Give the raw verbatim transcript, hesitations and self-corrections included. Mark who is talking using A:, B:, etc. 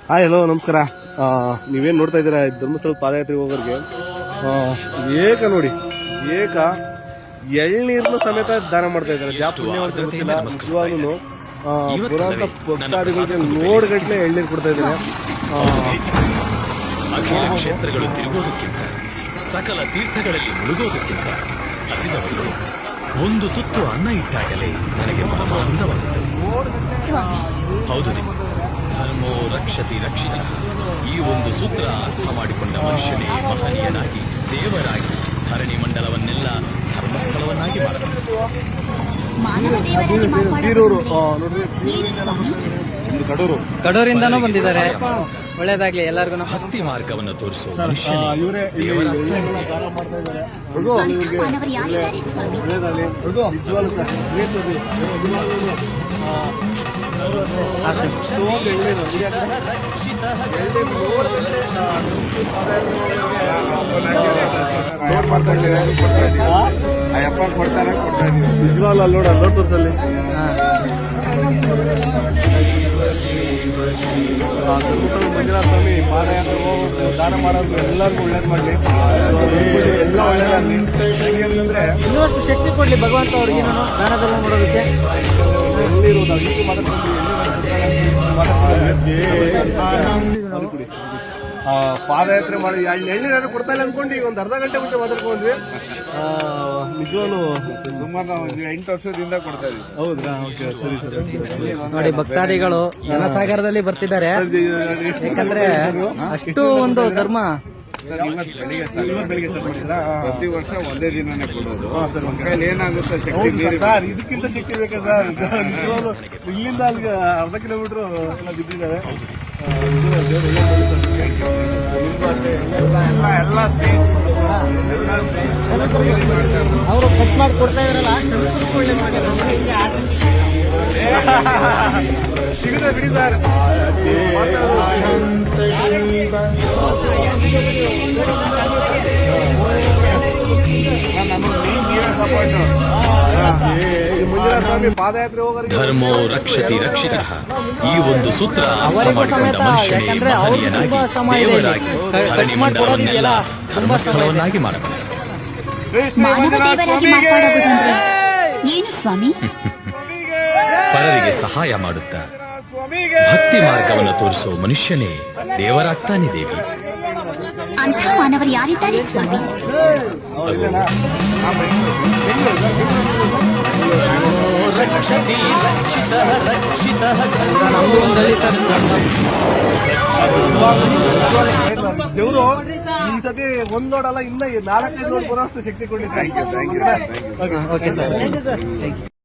A: Hi hello ನಮಸ್ಕಾರ. ನೀವೇನು ನೋಡ್ತಾ ಇದ್ದೀರಾ ಧರ್ಮಸ್ಥಳ ಪಾದಯಾತ್ರೆಗೆ ಹೋಗೋರಿಗೆ ಏಕ ನೋಡಿ ಏಕ ಎಳ್ನೀರ್ನ ಸಮೇತ ದಾನ ಮಾಡ್ತಾ ಇದ್ದಾರೆ. ಜಾ ಪುಣ್ಯವಂತ ಗೊತ್ತಿಲ್ಲ ನಿಜವಾಗ್ಲೂ ಪುರಾಂತ ಭಕ್ತಾದಿಗಳಿಗೆ ನೋಡ್ಗಟ್ಲೆ ಎಳ್ನೀರು ಕೊಡ್ತಾ ಇದ್ದಾರೆ.
B: ಕ್ಷೇತ್ರಗಳು ತಿರುಗೋದಕ್ಕಿಂತ ಸಕಲ ತೀರ್ಥಗಳಲ್ಲಿ ಮುಳುಗೋದಕ್ಕಿಂತ ಹಸಿದವರಿಗೆ ಒಂದು ತುತ್ತು ಅನ್ನ ಇಟ್ಟಾಗಲೇ ನನಗೆ ಪರಮಾನಂದವಾಗುತ್ತದೆ. ಹೌದು, ಧರ್ಮೋ ರಕ್ಷತಿ ರಕ್ಷಿತ ಈ ಒಂದು ಸೂತ್ರ ಅರ್ಥ ಮಾಡಿಕೊಂಡ ಮನುಷ್ಯನೇ ಮಹನೀಯನಾಗಿ ದೇವರಾಗಿ ಧರಣಿ ಮಂಡಲವನ್ನೆಲ್ಲ ಧರ್ಮಸ್ಥಳವನ್ನಾಗಿ ಮಾಡಬೇಕು.
A: ಕಡೂರು
C: ಕಡೂರಿಂದನೂ ಬಂದಿದ್ದಾರೆ. ಒಳ್ಳೇದಾಗ್ಲಿ ಎಲ್ಲರಿಗೂ.
B: ಭಕ್ತಿ ಮಾರ್ಗವನ್ನು ತೋರಿಸುವ
A: ನಿಜವಾಗ್ಲೂ ಅಲ್ಲಿ ನೋಡ ನೋಡ್ ತೋರ್ಸಲ್ಲಿ ಮಂಜುನಾಥ ಸ್ವಾಮಿ ಪಾದಯಾತ್ರೆ ಹೋಗೋದು ದಾನ ಮಾಡೋದು ಎಲ್ಲರಿಗೂ ಒಳ್ಳೇದು ಮಾಡಲಿ, ಎಲ್ಲ ಒಳ್ಳೇದಾಗಲಿ. ಅಂದ್ರೆ
C: ಇನ್ನೊಂದು ಶಕ್ತಿ ಕೊಡ್ಲಿ ಭಗವಂತ ಅವ್ರಿಗೆ ದಾನಧರ್ಮ ಮಾಡೋದಕ್ಕೆ.
A: ಎಲ್ಲಿರೋದು ಅದಕ್ಕೆ ಮಾತಾಡ್ಕೊಂಡು ಪಾದಯಾತ್ರೆ ಮಾಡಿ ಎಳ್ನೀರು ಕೊಡ್ತಾ ಇಲ್ಲ ಅನ್ಕೊಂಡು ಈಗ ಒಂದು ಅರ್ಧ ಗಂಟೆ ಮುಂಚೆ ಮಾತಾಡ್ಕೊಂಡ್ವಿ. ನಿಜವಾಗ್ಲೂ ಸುಮಾರು ಒಂದು ಎಂಟು ವರ್ಷದಿಂದ ಕೊಡ್ತಾ ಇದ್ವಿ. ಹೌದಾ? ಓಕೆ, ಸರಿ ಸರಿ.
C: ನೋಡಿ ಭಕ್ತಾದಿಗಳು ಜನಸಾಗರದಲ್ಲಿ ಬರ್ತಿದ್ದಾರೆ. ಯಾಕಂದ್ರೆ ಅಷ್ಟು ಒಂದು ಧರ್ಮ.
A: ಪ್ರತಿ ವರ್ಷ ಒಂದೇ ದಿನನೇ ಕೊಡೋದು. ಕೈಲಿ ಏನಾಗುತ್ತೆ ಸರ್, ಇದಕ್ಕಿಂತ ಶಕ್ತಿ ಬೇಕಾ ಸರ್? ನಿಜವಾಗ್ಲೂ ಇಲ್ಲಿಂದ ಅಲ್ಲಿಗೆ ಅರ್ಧ ಕಿಲೋಮೀಟರ್ ಎಲ್ಲ ಬಿದ್ದಿದ್ದಾವೆ. ಎಲ್ಲ
C: ಅವರು ಕಟ್ ಮಾಡಿ ಕೊಡ್ತಾ ಇದ್ರಲ್ಲ
A: ಸಿಗುತ್ತೆ ಬಿಡಿ ಸರ್. ಸ್ವಾಮಿ ಪಾದಯಾತ್ರೆ ಹೋಗೋರಿಗೆ
B: ಧರ್ಮೋ ರಕ್ಷತಿ ರಕ್ಷಿತ ಈ ಒಂದು ಸೂತ್ರ
C: ಅವರಿಗೂ ಸಮೇತ. ಯಾಕಂದ್ರೆ ಅವ್ರು ತುಂಬಾ ಶ್ರಮ ಇದೆ, ಕಟ್ ಮಾಡಿ ಕೊಡೋದಿದೆಯಲ್ಲ ತುಂಬಾ ಶ್ರಮ ಇದೆ.
B: ಮಾಡಬೇಕು.
D: ಏನು ಸ್ವಾಮಿ?
B: ಪರರಿಗೆ ಸಹಾಯ ಮಾಡುತ್ತಾ ಭಕ್ತಿ ಮಾರ್ಗವನ್ನು ತೋರಿಸುವ ಮನುಷ್ಯನೇ ದೇವರಾಗ್ತಾನೆ ದೇವಿ.
D: ಅಂಥ ಮಾನವರು ಯಾರಿದ್ದಾರೆ ಸ್ವಾಮಿ?
A: ದೇವರು ಈ ಸತಿ ಒಂದ್ ನೋಡಲ್ಲ, ಇನ್ನ ನಾಲ್ಕೈದು ನೋಡ್ ಬರೋಷ್ಟು ಶಕ್ತಿ ಕೊಡ್ಲಿ. Thank you thank you.
C: Okay sir.